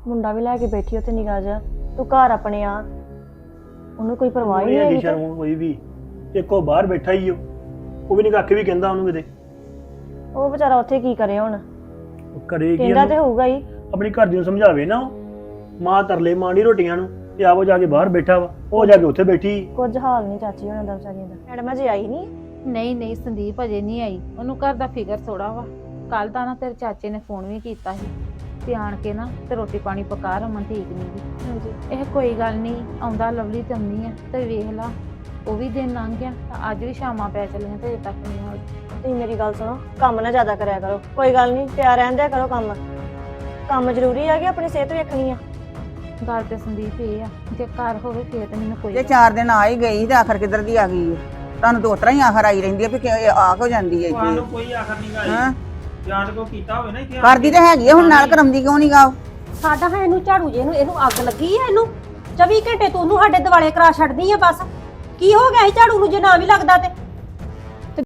ਮੁੰਡਾ ਵੀ ਲੈ ਕੇ ਬੈਠੀ ਉੱਥੇ ਨਿਗਾਹ ਜਾ, ਤੂੰ ਘਰ ਆਪਣੇ ਆ, ਉਹਨੂੰ ਕੋਈ ਪਰਵਾਹ ਹੀ ਨਹੀਂ ਹੈਗੀ। ਸ਼ਰਮ ਕੋਈ ਵੀ ਇੱਕੋ ਬਾਹਰ ਬੈਠਾ ਹੀ ਉਹ ਵੀ ਨਹੀਂ ਕੱਖ ਵੀ ਕਹਿੰਦਾ ਉਹਨੂੰ ਕਿਤੇ। ਉਹ ਵਿਚਾਰਾ ਉੱਥੇ ਕੀ ਕਰੇ ਹੁਣ, ਕਰੇ ਕੀ ਕਹਿੰਦਾ ਤੇ ਹੋਊਗਾ ਹੀ। ਆਪਣੀ ਘਰ ਦੀ ਨੂੰ ਸਮਝਾਵੇ ਨਾ, ਉਹ ਮਾਂ ਤਰਲੇ ਮਾਂਡੀ ਰੋਟੀਆਂ ਨੂੰ ਤੇ ਆਪੋ ਜਾ ਕੇ ਬਾਹਰ ਬੈਠਾ ਵਾ, ਉਹ ਜਾ ਕੇ ਉੱਥੇ ਬੈਠੀ। ਕੁਝ ਹਾਲ ਨਹੀਂ ਚਾਚੀ ਉਹਨਾਂ ਦਾ ਵਿਚਾਰੀਆਂ ਦਾ। ਮੈਡਮ ਅਜੇ ਆਈ ਨਹੀਂ? ਨਹੀਂ ਸੰਦੀਪ ਅਜੇ ਨਹੀਂ ਆਈ, ਉਹਨੂੰ ਘਰ ਦਾ ਫਿਕਰ ਥੋੜਾ ਵਾ। ਕੱਲ ਤਾਂ ਨਾ ਤੇਰੇ ਚਾਚੇ ਨੇ ਫੋਨ ਵੀ ਕੀਤਾ ਸੀ ਤੇ ਆਣ ਕੇ ਨਾ ਤੇ ਰੋਟੀ ਪਾਣੀ ਪਕਾ, ਰਮਨ ਠੀਕ ਨਹੀਂ ਗੀ। ਹਾਂਜੀ ਇਹ ਕੋਈ ਗੱਲ ਨਹੀਂ, ਆਉਂਦਾ ਲਵਲੀ ਤੇ ਆਉਂਦੀ ਆ ਤੇ ਵੇਖ ਲਾ ਉਹ ਵੀ ਦਿਨ ਲੰਘ ਗਿਆ, ਅੱਜ ਵੀ ਸ਼ਾਮਾਂ ਪੈ ਚੱਲੀਆਂ ਤੇ ਅਜੇ ਤੱਕ ਨਹੀਂ ਆਈ। ਤੁਸੀਂ ਮੇਰੀ ਗੱਲ ਸੁਣੋ, ਕੰਮ ਨਾ ਜ਼ਿਆਦਾ ਕਰਿਆ ਕਰੋ, ਕੋਈ ਗੱਲ ਨਹੀਂ, ਪਿਆਰ ਰਹਿਣ ਦਿਆ ਕਰੋ। ਕੰਮ ਜ਼ਰੂਰੀ ਆ ਕਿ ਆਪਣੀ ਸਿਹਤ ਵੇਖਣੀ ਆ। ਗੱਲ ਤੇ ਸੰਦੀਪ ਇਹ ਆ, ਜੇ ਘਰ ਹੋਵੇ ਫੇਰ ਤੇ ਮੈਨੂੰ ਕੋਈ ਜੇ 4 ਦਿਨ ਆ ਹੀ ਗਈ ਤੇ ਆਖਰ ਕਿੱਧਰ ਦੀ ਆ ਗਈ ਹੈ? ਤੁਹਾਨੂੰ ਤਾਂ ਉਤਰਾ ਹੀ ਆਖਰ ਆਈ ਰਹਿੰਦੀ ਹੈ ਵੀ ਆ ਕੋ ਜਾਂਦੀ ਹੈ ਤੁਹਾਨੂੰ ਇੱਥੇ। ਕੋਈ ਆਖਰ ਨਹੀਂ ਗਾਈ ਹਾਂ ਜਾਣ ਕੋ ਕੀਤਾ ਹੋਵੇ ਨਾ ਕਿ ਕਰਦੀ ਤਾਂ ਹੈਗੀ ਆ, ਹੁਣ ਨਾਲ ਕਰਾਉਂਦੀ ਕਿਉਂ ਨਹੀਂ ਗਾ? ਸਾਡਾ ਹੈ ਇਹਨੂੰ ਝਾੜੂ ਜੇ ਇਹਨੂੰ ਅੱਗ ਲੱਗੀ ਹੈ। ਇਹਨੂੰ 24 ਘੰਟੇ ਤੂੰ ਉਹਨੂੰ ਸਾਡੇ ਦਿਵਾਲੇ ਕਰਾ ਛੱਡਦੀ ਆ ਬਸ। ਕੀ ਹੋ ਗਿਆ ਸੀ ਝਾੜੂ ਨੂੰ ਜੇ ਨਾ ਵੀ ਲੱਗਦਾ ਤੇ?